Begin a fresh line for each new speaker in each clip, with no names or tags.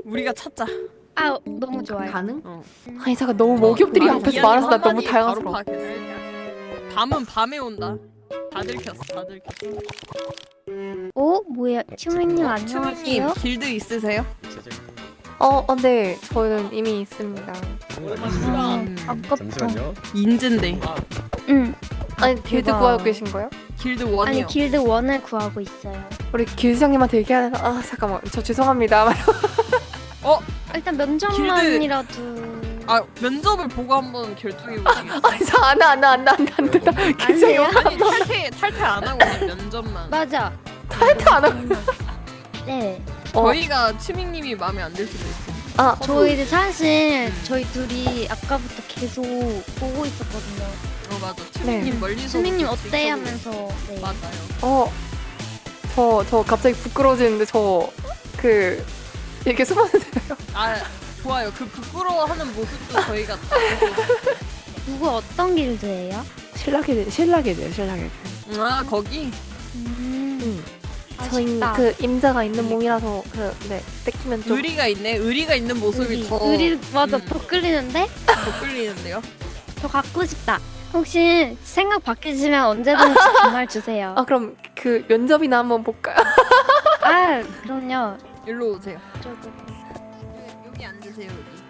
우리가 찾자.
아 너무 좋아요.
가능?
아니 잠깐 너무 목욕들이 앞에서 말아서 나 너무
바로
당황스러워.
파악했어. 밤은 밤에 온다. 다 들켰어, 다 들켰어.
오 뭐야 치우님
추루님
안녕하세요.
길드 있으세요?
네 저는 이미 있습니다.
아깝다.
잠시만요.
인젠데.
응.
아니 길드
대박.
구하고 계신 거예요?
길드
아니
원이요.
길드 원을 구하고 있어요.
우리 길드장님한테 얘기해야 되나? 아 잠깐만 저 죄송합니다.
일단 면접만이라도.
아 면접을 보고 한번 결정해 보시겠어요?
아니 저안한다
안 돼요?
아니 탈퇴 안 하고 그냥 면접만.
맞아.
탈퇴 안 하고.
네.
저희가 치밍님이 마음에 안 들 수도 있어.
아
저희 사실 저희 둘이 아까부터 계속 보고 있었거든요.
맞아. 치밍님 멀리서.
수민님
보고
어때
지켜보고
하면서. 네.
맞아요.
저 갑자기 부끄러워지는데 이렇게 숨어도 되나요?
아 좋아요. 그 부끄러워하는 모습도 저희가 다 보고.
누구 어떤 길드예요?
신라게들.
아 거기.
저희
아쉽다.
그 임자가 있는 몸이라서 뺏기면 좀.
의리가 있네. 의리가 있는 모습이 더.
의리 맞아
음.
더 끌리는데?
더 끌리는데요.
저 갖고 싶다. 혹시 생각 바뀌시면 언제든지 전화 주세요.
아 그럼 그 면접이나 한번 볼까요?
아 그럼요.
일로 오세요.
저도.
여기 앉으세요. 여기.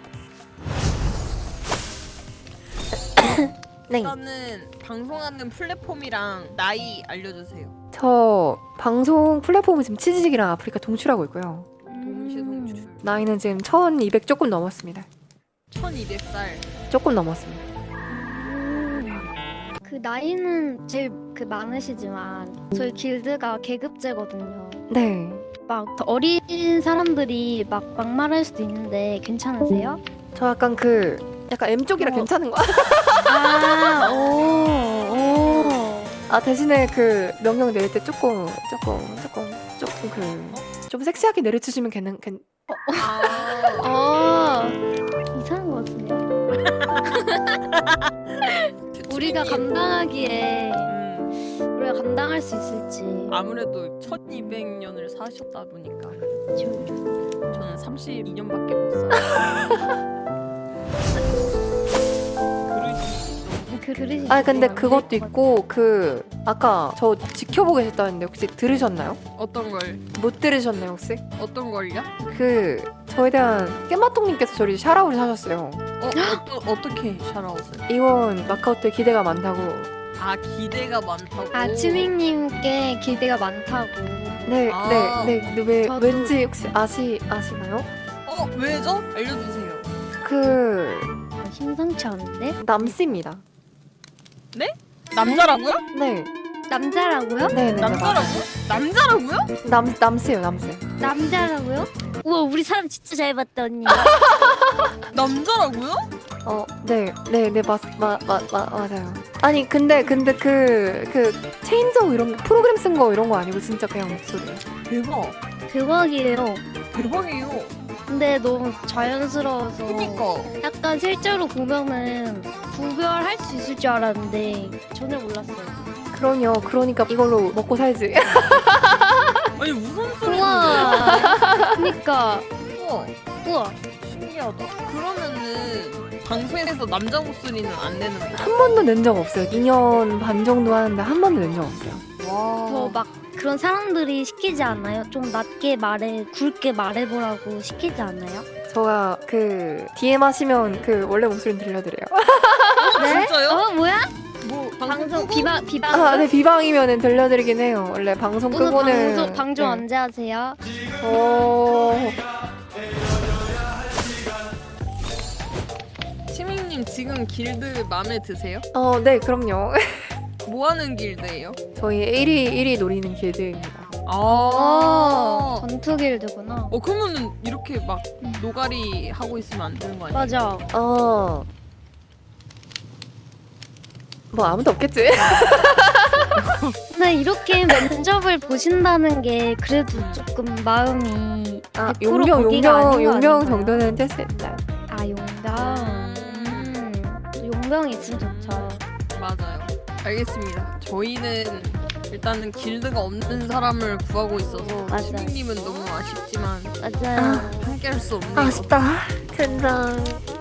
네.
일단은 방송하는 플랫폼이랑 나이 알려주세요.
저 방송 플랫폼은 지금 치즈직이랑 아프리카 동출하고 있고요.
동시 송출.
나이는 지금 1200 조금 넘었습니다.
1200살.
조금 넘었습니다.
그 나이는 제일 그 많으시지만 저희 길드가 계급제거든요.
네.
막더 어린 사람들이 막 막말할 수도 있는데 괜찮으세요?
저 약간 약간 M 쪽이라 괜찮은 거.
아, 오.
아 대신에 그 명령 내릴 때 조금 좀 섹시하게 내려주시면
아.
이상한 거 같은데. 우리가 감당하기에 우리가 감당할 수 있을지.
아무래도 1200년을 사셨다 보니까
좀-
저는 32년밖에 못 살아요.
그릇이.
아 근데
좀
그것도
안될것
있고 아까 저 지켜보고 계셨다는데 혹시 들으셨나요?
어떤 걸?
못 들으셨나요 혹시?
어떤 걸요?
저에 대한 깨마통님께서 저를 샤라우를 사셨어요.
어떻게 샤라웃을?
이원 마카오트에 기대가 많다고.
아 기대가 많다고.
아 치밍님께 기대가 많다고.
네. 근데 왜
저도-
왠지 혹시 아시나요?
왜죠? 알려주세요.
심상치 않은데?
남씨입니다.
남자라고요?
네.
남자라고요?
네.
남자라고요? 남자라고요?
남씨요, 남씨.
남자라고요? 우와 우리 사람 진짜 잘 봤다 언니.
남자라고요?
네, 맞아요. 아니 근데 그 체인저 이런 거, 프로그램 쓴 거 이런 거 아니고 진짜 그냥 목소리예요.
대박.
대박이에요.
대박이에요.
근데 너무 자연스러워서
그니까.
약간 실제로 보면은 구별할 수 있을 줄 알았는데 전혀 몰랐어요.
그럼요. 그러니까 이걸로 먹고 살지.
아니 무슨 소리인데?
우와. 그니까
우와.
우와.
신기하다. 그러면은 방송에서 남자 목소리는 안 내는 거야?
한 번도 낸 적 없어요. 2년 반 정도 하는데 한 번도 낸 적 없어요.
와.
더 막 그런 사람들이 시키지 않나요? 좀 낮게 굵게 말해보라고 시키지 않나요?
제가 DM 하시면 원래 목소리 들려드려요.
네?
진짜요?
뭐야?
뭐
방송
끄고?
비방.
아, 네, 비방이면은 들려드리긴 해요. 원래 방송
오늘
끄고는.
방송
네.
언제 하세요?
치밍님 지금 길드 마음에 드세요?
네, 그럼요.
뭐 하는 길드예요?
저희 1위 노리는 길드입니다.
전투 길드구나.
그러면은 이렇게 막 노가리 하고 있으면 안 되는 거 아니에요?
맞아.
뭐 아무도 없겠지?
근데 이렇게 면접을 보신다는 게 그래도 조금 마음이 100% 거기가 아닌 거
용병
아닌가요?
정도는 될 수 있다.
아 용병. 용병 있으면 좋죠.
맞아요. 알겠습니다. 저희는 일단은 길드가 없는 사람을 구하고 있어서
맞아요.
치밍님은 너무 아쉽지만
맞아요.
함께 할 수 없네요.
아쉽다. 젠장.